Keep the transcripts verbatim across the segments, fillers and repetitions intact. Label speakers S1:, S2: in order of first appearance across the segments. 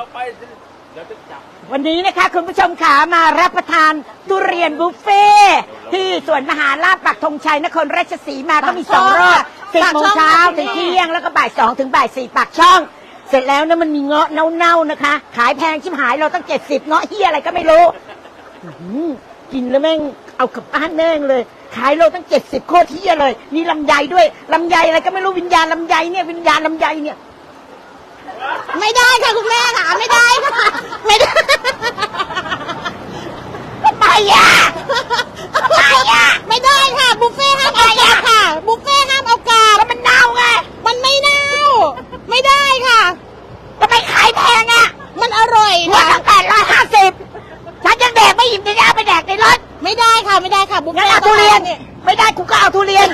S1: ไปเดี๋ยวจะจับ
S2: วันนี้นะคะคุณผู้ชมขามารับประทานทุเรียนบุฟเฟ่ที่สวนมหาลาภปักธงชัยนครราชสีมาก็มีสองรอบสิบโมงเช้าถึงเที่ยงแล้วก็บ่ายสองถึงบ่ายสี่ปากช่องเสร็จแล้วนะมันมีเงาะเน่าๆนะคะขายแพงชิบหายเราตั้งเจ็ดสิบเงาะเฮียอะไรก็ไม่รู้กินแล้วแม่งเอากลับบ้านแม่งเลยขายเราตั้งเจ็ดสิบโคตรเฮียเลยมีลำไยด้วยลำไยอะไรก็ไม่รู้วิญญาณลำไยเนี่ยวิญญาณลำไยเนี่ย
S3: ไม่ได้ค่ะคุณแม่ค่ะไม่ได้ค่ะไม่ได้
S2: ทำไมอ่ะทำไมอ่ะ
S3: ไม่ได้ค่ะบุฟเฟ่ห้ามเอากลับค่ะบุฟเฟ่ห้ามเอากลับ
S2: แล้วมันเน่าไง
S3: มันไม่เน่าไม่ได้ค่ะ
S2: ทำไมขายแพงอ่ะ
S3: มันอร่อย
S2: ว่า
S3: ค่ะ
S2: ตั้งแปดร้อยห้าสิบฉันยังแดกไม่อิ่มจะเอาไปแดกในรถ
S3: ไม่ได้ค่ะไม่ได้ค่ะบุฟ
S2: งั้น
S3: เฟ่
S2: เอาทุเรียนไม่ได้กูก็เอาทุเรียน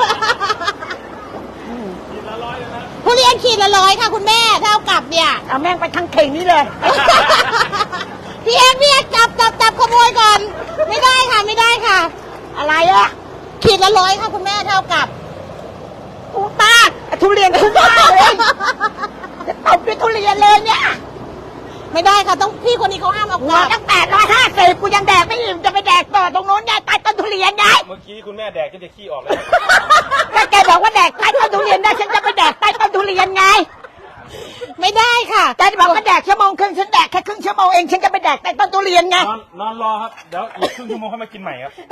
S3: ทุเรียนขีดละร้อยค่ะคุณแม่เท่ากับเนี่ย
S2: เอาแม่งไปทั้งเข่งนี้เลย
S3: พี่เอ็กพี่เอ็กจับจับจับขโมยก่อนไม่ได้ค่ะไม่ได้ค่ะ
S2: อะไรอ่ะ
S3: ขีดละร้อยค่ะคุณแม่เท่ากับ
S2: กูตาทุเรียนทุกบ้านเลยจะตบด้วยทุเรียนเลยเนี่ย
S3: ไม่ได้ค่ะต้องพี่คนนี้เขาห้ามเอากลับ
S2: ตั้งแปดร้อยห้าสิบกูยังแดกไม่อิ่มจะไปแดกต่อตรงโน้นได้ใต้ต้นทุเรียนไง
S1: เมื่อกี้คุณแม่แดกจนจะขี้ออกเลย
S2: ถ้าแกบอกว่าแดกใต้ต้นทุเรียนได้ฉันจะไปแดกใต้ต้นทุเรียนไง
S3: ไม่ได้ค่ะ
S2: แกจะบอกว่าแดกชั่วโมงครึ่งฉันแดกแค่ครึ่งชั่วโมงเองฉันจะไปแดกใต้ต้นทุเรียนไง
S1: นอนนอนรอครับเดี๋ยวอีกครึ่งชั่วโมงค่อยมากินใหม่ครับ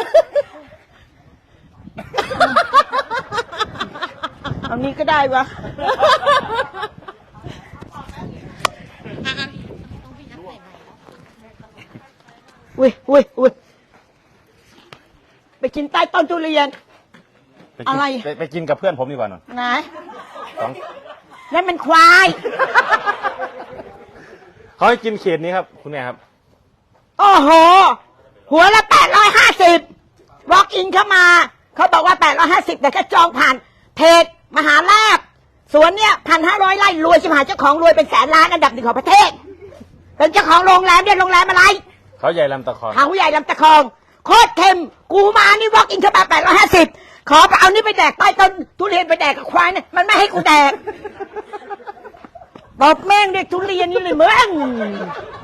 S2: เอานี้ก็ได้วะอุ้ยอุ้ยอุ้ยไปกินใต้ต้นทุเรียนอะไร
S1: ไปกินกับเพื่อนผมดีกว่าหน่อย
S2: ไหน
S1: สอง
S2: นั่นมันควาย
S1: เขาให้กินเขตนี้ครับคุณแม่ครับ
S2: โอ้โหหัวละแปดร้อยห้าสิบวอล์กอินเข้ามาเขาบอกว่าแปดร้อยห้าสิบแต่ก็จองผ่านเพจมหาลาภสวนเนี่ยพันห้าร้อยไร่รวยชิบหายเจ้าของรวยเป็นแสนล้านอันดับหนึ่งของประเทศเป็นเจ้าของโรงแรมเนี่ยโรงแรมอะไร
S1: เขาใหญ่ลำตะคอง
S2: เขาใหญ่ลำตะคองโคตรเค็มกูมานี่วอล์กอินเข้ามาแปดร้อยห้าสิบขอไปเอานี่ไปแดกใต้ต้นทุเรียนไปแดกกับควายเนี่ยมันไม่ให้กูแดกบอกแม่งเด็กทุเรียนนี่เลยมึง